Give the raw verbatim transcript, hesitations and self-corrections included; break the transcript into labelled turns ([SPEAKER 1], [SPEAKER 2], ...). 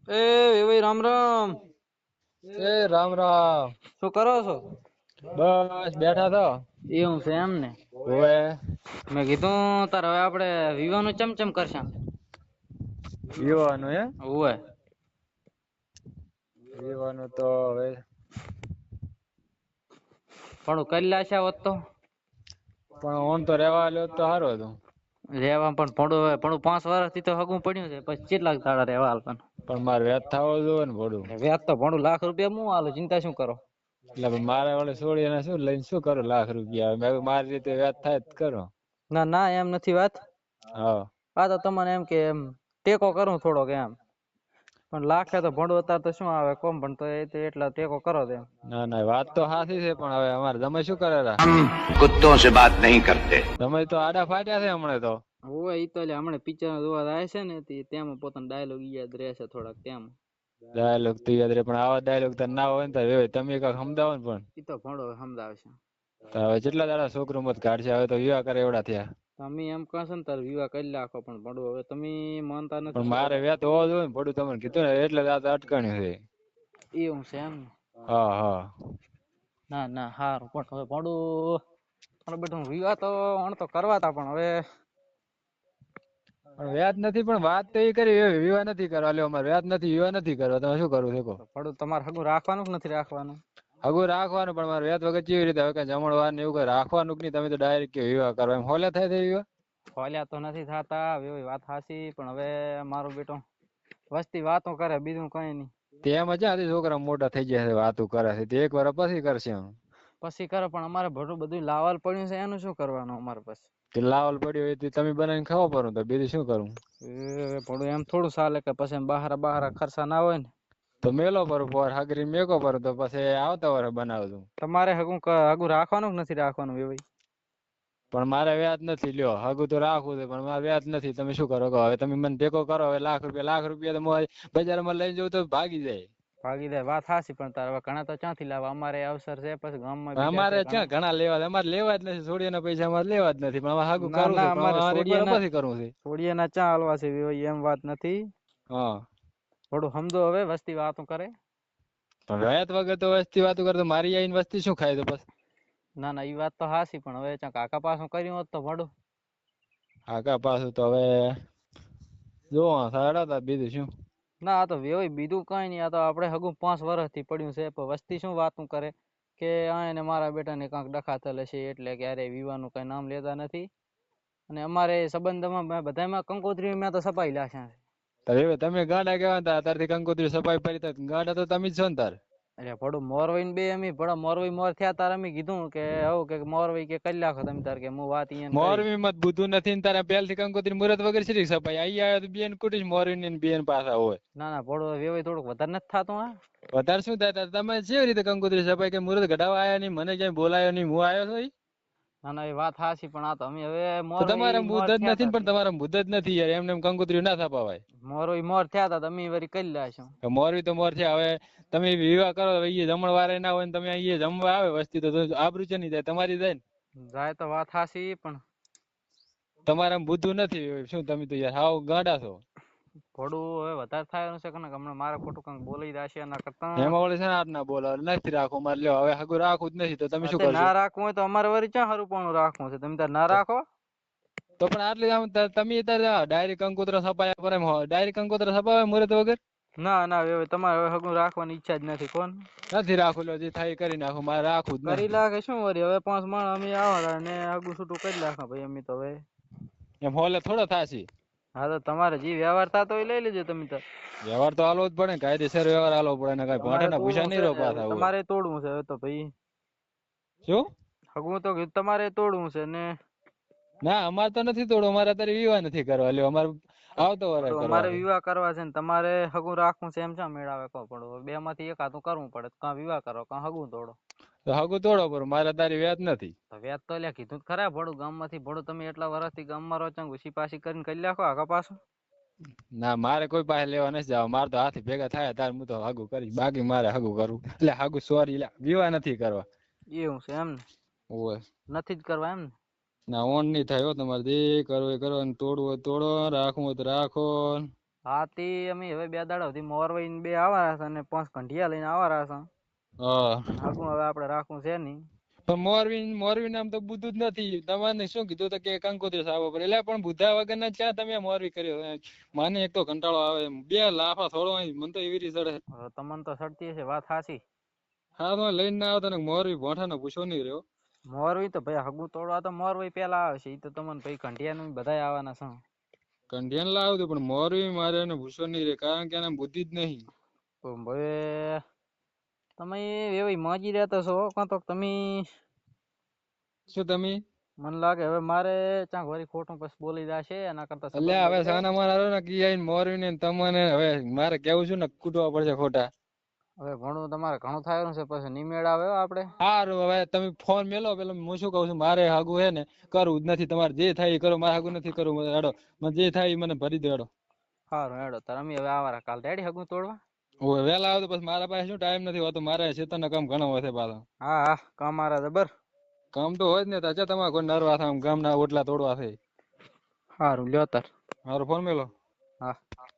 [SPEAKER 1] એ ભાઈ રામ રામ.
[SPEAKER 2] એ રામ રામ.
[SPEAKER 1] શું કરો છો?
[SPEAKER 2] બસ બેઠા તો.
[SPEAKER 1] એવું છે એમ ને.
[SPEAKER 2] ઓવે.
[SPEAKER 1] મેં કીધું તાર હવે આપણે વિવાહનું ચમચમ કરશે.
[SPEAKER 2] વિવાનું હે.
[SPEAKER 1] ઓવે.
[SPEAKER 2] વિવાનું તો હવે
[SPEAKER 1] પણ કરી લાશે હોત તો.
[SPEAKER 2] પણ ઓન તો રેવા લ્યો તો સારું હતું.
[SPEAKER 1] રેવા પણ ભણું ભણું પાંચ વર્ષથી તો હગું પડ્યું છે પછી કેટલાક દાડા રેવા હાલવાનું.
[SPEAKER 2] પણ મારે વ્યાજ થવો જોઈએ ને ભોળું.
[SPEAKER 1] વ્યાજ તો ભણું લાખ રૂપિયા હું હાલું ચિંતા શું કરો.
[SPEAKER 2] એટલે મારે વડે છોડી એને શું લઈને શું કરું લાખ રૂપિયા મેં મારી રીતે વ્યાજ થાય જ કરો.
[SPEAKER 1] ના ના એમ નથી વાત.
[SPEAKER 2] હા.
[SPEAKER 1] આ તો તમને એમ કે એમ ટેકો કરું થોડોક એમ. પણ લાખે તો ભણું અત્યારે તો શું આવે કોમ પણ તો એ એટલા ટેકો કરો તેમ.
[SPEAKER 2] ના ના વાત તો સાચી છે પણ હવે અમારે તમે શું કરેલા.
[SPEAKER 3] हम कुत्तों से बात नहीं करते।
[SPEAKER 2] તમે તો આડા ફાટ્યા છે હમણાં તો.
[SPEAKER 1] ઓય ઈ તો હમણાં પિક્ચર જોવા આવે છે ને તેમાં પોતાનો ડાયલોગ યાદ રહેશે થોડાક તેમ.
[SPEAKER 2] ડાયલોગ તો યાદ રહે પણ આવા ડાયલોગ તો ના હોય ને તો તમે કઈક સમજાવો ને પણ.
[SPEAKER 1] ઈ તો ભણો સમજાવશે.
[SPEAKER 2] તો હવે કેટલા દાડા છોકરો મત કાઢશે હવે તો વિવાહ કરે એવડા થયા.
[SPEAKER 1] તમે એમ કહો છો ને તાર વિવાહ કરી નાખો પણ ભણો હવે તમે માનતા નથી
[SPEAKER 2] પણ
[SPEAKER 1] શું
[SPEAKER 2] મારે
[SPEAKER 1] કરો.
[SPEAKER 2] વ્યાજ હોવો જોઈએ ને પડું તમને કીધું ને એટલે આ તો અટકણ્યું છે.
[SPEAKER 1] એવું છે એમ ને.
[SPEAKER 2] હા હા.
[SPEAKER 1] ના ના હારું પણ હવે ભણું બધું વિવાહ તો અણ તો કરવા તા પણ હવે.
[SPEAKER 2] પણ વ્યાજ નથી પણ વાત તો એ કરી વિવાહ નથી કરવા લ્યો અમારે વ્યાજ નથી વિવાહ નથી કરવા તમે શું કરવું શકો.
[SPEAKER 1] ભણું તમારે હગું રાખવાનું કે નથી રાખવાનું.
[SPEAKER 2] હગું રાખવાનું પણ મારે વ્યાજ વગર કેવી રીતે હવે જમણવાર ને એવું કઈ રાખવાનું કે નહીં તમે તો ડાયરેક્ટ કે વિવાહ કરવા એમ હોલે થાય વિવાહ.
[SPEAKER 1] ખોલ્યા તો નથી થતા એવી વાત સાચી પણ હવે મારો બેટો વસ્તી વાતો કરે બીજું કઈ નઈ.
[SPEAKER 2] તેમ જ છોકરા મોટા થઈ જાય છે વાતું કરે છે તે એક વાર પછી કરશે એમ.
[SPEAKER 1] પછી કરે પણ અમારે ભણું બધું લાવાલ પડ્યું છે એનું શું કરવાનું અમારે પછી.
[SPEAKER 2] તે લાવલ પડ્યું હોય તમે બનાવીને ખાવા પડો તો બીજું શું કરું.
[SPEAKER 1] એ થોડું એમ થોડું ચાલે કે પછી બહાર બહાર ખર્ચા ના હોય ને.
[SPEAKER 2] તો મેલો પર પર હાગરી મેકો પર તો પછી આવતા વર બનાવશું.
[SPEAKER 1] તમારે હગું હગું રાખવાનું કે નથી રાખવાનું એ ભાઈ.
[SPEAKER 2] પણ મારે વ્યાજ નથી લ્યો હગું તો રાખવું છે પણ મારે વ્યાજ નથી તમે શું કરો હવે તમે મને ટેકો કરો હવે લાખ રૂપિયા લાખ રૂપિયા તો બજારમાં લઈ જવું તો ભાગી જાય.
[SPEAKER 1] ભાગી જાય વાત હાચી પણ તાર ઘણા તો ક્યાંથી લાવવા અમારે અવસર છે પછી ગામમાં બીજા છે
[SPEAKER 2] અમારે ક્યાં ઘણા લેવા અમારે લેવા જ નથી છોડીના પૈસા અમારે લેવા જ નથી પણ હાગું
[SPEAKER 1] ના
[SPEAKER 2] કરવું છે
[SPEAKER 1] ના
[SPEAKER 2] પણ અમારે એક વાર પછી કરવું છે.
[SPEAKER 1] સોડિયાના ચા હાલવા છે એમ વાત નથી.
[SPEAKER 2] હા.
[SPEAKER 1] થોડું સમજો હવે વસ્તી વાતો કરે.
[SPEAKER 2] વ્યાજ વગર તો વસ્તી વાતો કરે તો મારી આઈને વસ્તી શું ખાય તો બસ.
[SPEAKER 1] ના ના ઈ વાત તો હાચી પણ હવે કાકા પાસું કર્યું હોત તો ભડું.
[SPEAKER 2] કાકા પાછું તો હવે જોવા સાડા બીજું શું.
[SPEAKER 1] ના આ તો વેવાય બીજું કઈ નઈ આ તો આપડે હગું પાંચ વર્ષથી પડ્યું છે વસ્તી શું વાતું કરે. કે આ એને મારા બેટા ને કંક ડખાતેલ હશે એટલે ક્યારે વિવાહનું કઈ નામ લેતા નથી. અને અમારે સંબંધમાં બધામાં કંકોત્રી મેં તો સપાઈ લાખ્યા છે.
[SPEAKER 2] તમે ગાંડા કેવા હતા તારથી કંકોત્રી સફાઈ કરી ગાંડા તો તમે જ છો ને તાર.
[SPEAKER 1] અરે ભડું મોરવાઈ ને બે અમ ભડા મોરવાઈ મોર થયા તાર અમે કીધું કે આવું કે મોરવાઈ કે કરી નાખો તમે તાર કે હું વાત અહીંયા કરી.
[SPEAKER 2] મોરબી મત બુધું નથી ને તારા પહેલ થી કંકોત્રી મુરત વગર છે સપાઈ આઈ આવે તો બેન કુટી મોરબી ને બેન પાછા હોય.
[SPEAKER 1] ના ના ભડો વેવાય થોડુંક વધારે નથી થતું આ.
[SPEAKER 2] વધારે શું થાય તમે કેવી રીતે કંકોત્રી સફાઈ કે મુરત ઘડાવા આવ્યા નઈ મને ક્યાંય બોલાયો નહી હું આવ્યો છું.
[SPEAKER 1] ના ના એ વાત હાચી પણ આ તો અમે હવે
[SPEAKER 2] તો તમારે
[SPEAKER 1] મોરવાઈ મોર
[SPEAKER 2] મુદત
[SPEAKER 1] થયા
[SPEAKER 2] નથી
[SPEAKER 1] તા
[SPEAKER 2] પણ તમારા મુદત નથી યાર એમને એમ કંકોત્રી ના છપાવાય.
[SPEAKER 1] મોરવાઈ મોર થયા તા તમે વરી કરી લાશું.
[SPEAKER 2] મોરબી તો મોર છે હવે તમે વિવાહ કરો જમણ વારે ના હોય ને તમે અ જમવા આવે વસ્તી તો આબરૂ છે નની જાય તમારી જાય ને.
[SPEAKER 1] જાય તો વાત હાચી પણ
[SPEAKER 2] તમારામાં બુદ્ધું નથી શું તમે તો યાર હાવ ગાંડા છો.
[SPEAKER 1] થોડું હવે વધારે થાય છે કે હમણાં મારે ખોટું કંઈક બોલી જશે એના કરતા.
[SPEAKER 2] એમાં વળી છે ને આટ ના બોલો નથી રાખું મારે લ્યો હવે હગું રાખું જ નથી તો તમે શું
[SPEAKER 1] અત્યારે
[SPEAKER 2] કરશો.
[SPEAKER 1] ના રાખવું હોય તો અમારે વરી ક્યાં હરુપણું રાખવું છે તમે તાર ના રાખો.
[SPEAKER 2] તો પણ આટલે આમ તમે અત્યારે ડાયરેક્ટ કંકોત્રા છપાયા પર એમ ડાયરેક્ટ કંકોત્રા છપાવે મુરત વગર.
[SPEAKER 1] ના ના હવે તમારે હવે હગું રાખવાની ઈચ્છા જ નથી કોણ.
[SPEAKER 2] નથી રાખું જે થાય કરી નાખું મારે રાખવું જ
[SPEAKER 1] કરી
[SPEAKER 2] નથી.
[SPEAKER 1] લાગે શું વરી હવે પાંચ માણ અમે આવા ને આગું છૂટું કરી નાખા ભાઈ અમે તો હવે.
[SPEAKER 2] એમ હોલે થોડો થાશે.
[SPEAKER 1] હા તો તમારે જે વ્યવહાર થતો હોય લઈ લેજો તમે તો.
[SPEAKER 2] વ્યવહાર તો હાલવો જ પડે ને કાયદેસર વ્યવહાર હાલવો પડે ને કઈ ભાંઠા
[SPEAKER 1] તમારે
[SPEAKER 2] ના ભૂસા
[SPEAKER 1] તોડવું
[SPEAKER 2] નહી
[SPEAKER 1] છે
[SPEAKER 2] રહો
[SPEAKER 1] ને
[SPEAKER 2] પાછા હોય.
[SPEAKER 1] તમારે તોડવું છે તો ભાઈ.
[SPEAKER 2] શું.
[SPEAKER 1] હગું તો તમારે તોડવું છે ને.
[SPEAKER 2] ના અમારે તો નથી તોડવું અમારે અત્યારે વિવાહ નથી કરવા લ્યો અમારે આવતો વરે કરવા
[SPEAKER 1] અમારે
[SPEAKER 2] છે.
[SPEAKER 1] વિવાહ કરવા છે ને તમારે હગું રાખવું છે એમ છે મેળાવે કહો પડો બે માંથી એક આધું કરવું પડે કાં વિવાહ કરો કાં હગું તોડો.
[SPEAKER 2] તો હગું તોડો પર મારે તારી વ્યાજ નથી.
[SPEAKER 1] વ્યાજ તો લ્યા કીધું ખરા ભડું ગામ માંથી ભડું તમે એટલા વર્ષથી ગામમાં રહો ઘુસી પાછી કરીને કરી નાખો આગા પાછું.
[SPEAKER 2] ના મારે કોઈ પાસે લેવા નથી જવા મારે તો હાથી ભેગા થાય ત્યારે હું તો હગું કરીશ બાકી મારે હગું કરવું. એટલે હગું સોરી વિવાહ નથી કરવા.
[SPEAKER 1] એવું છે એમને
[SPEAKER 2] ઓવે
[SPEAKER 1] નથી જ કરવા એમને.
[SPEAKER 2] ના ઓણ નહી થાય તમારે જે કરવું એ કરો તોડવું હોય તોડો રાખવું હોય તો રાખો.
[SPEAKER 1] હા તે અમે હવે બે દાડા સુધી મોરવાઈ ને બે આવારા છે અને પાંચ કંઢિયા લઈને આવારા છે.
[SPEAKER 2] હા
[SPEAKER 1] હગું હવે આપણે રાખવું છે નહીં.
[SPEAKER 2] પણ મોરવી મોરવી નામ તો બુદ્ધું જ નથી. તમારે શું કીધું તો કે કંકોત્રી સાવો પડે એટલે પણ બુદ્ધા વગર ના ક્યાં તમે મોરવી કર્યો. મને એક તો કંટાળો આવે બે લાફા થોડો મને તો એવી રીતે ચડે.
[SPEAKER 1] હવે તમને તો સડતી હશે વાત સાચી.
[SPEAKER 2] હા તો લઈને ના આવતા ને મોરવી ભોઠા નો પૂછો નહીં રહ્યો.
[SPEAKER 1] મોરવી તો ભાઈ હગું તોડવા તો મોરવી પેલા આવે છે. એ તો તમને ભાઈ કંઢિયા નું બધા આવવાના છે.
[SPEAKER 2] કંઢિયાને લાવતું પણ મોરવી મારે એને પૂછો નહીં રે કારણ કે એને બુદ્ધિ જ નહીં.
[SPEAKER 1] તો હવે તમે એવી માજી રહેતા છો કાં તો તમે
[SPEAKER 2] શું તમે
[SPEAKER 1] મને લાગે હવે મારે ચાંક વળી ખોટું પછી બોલી જશે એના કરતા
[SPEAKER 2] એટલે
[SPEAKER 1] સંબંધ
[SPEAKER 2] હવે
[SPEAKER 1] બગડે.
[SPEAKER 2] સાના મારા ને કી આઈને મોરવી ને તમને હવે મારે કેવું છું ને કૂટવા પડશે ખોટા.
[SPEAKER 1] હવે ઘણું તમારે ઘણું થાયનું છે પછી નિમેળ આવે હો આપણે.
[SPEAKER 2] સારું હવે તમે ફોન મેલો પેલો હું શું કહું છું મારે હાગું હે ને કરવું જ નથી. તમારે જે થાય એ કરો મારે હાગું નથી કરવું. હેડો મને જે થાય એ મને ભરી દો હેડો.
[SPEAKER 1] સારું હેડો તાર અમે હવે આવારા કાલ રેડી હગું તોડવા.
[SPEAKER 2] હવે વહેલા આવે તો પછી મારા પાસે શું ટાઈમ નથી હોતો. મારે શેતાનના કામ ઘણા હોય છે પાછા.
[SPEAKER 1] હા હા કામ મારા જબર.
[SPEAKER 2] કામ તો હોય જ ને તાચા તમારે કોઈ નરવા થાય ગામના ઓટલા તોડવા છે.
[SPEAKER 1] સારું લ્યો તાર.
[SPEAKER 2] મારો ફોન મેલો.
[SPEAKER 1] હા.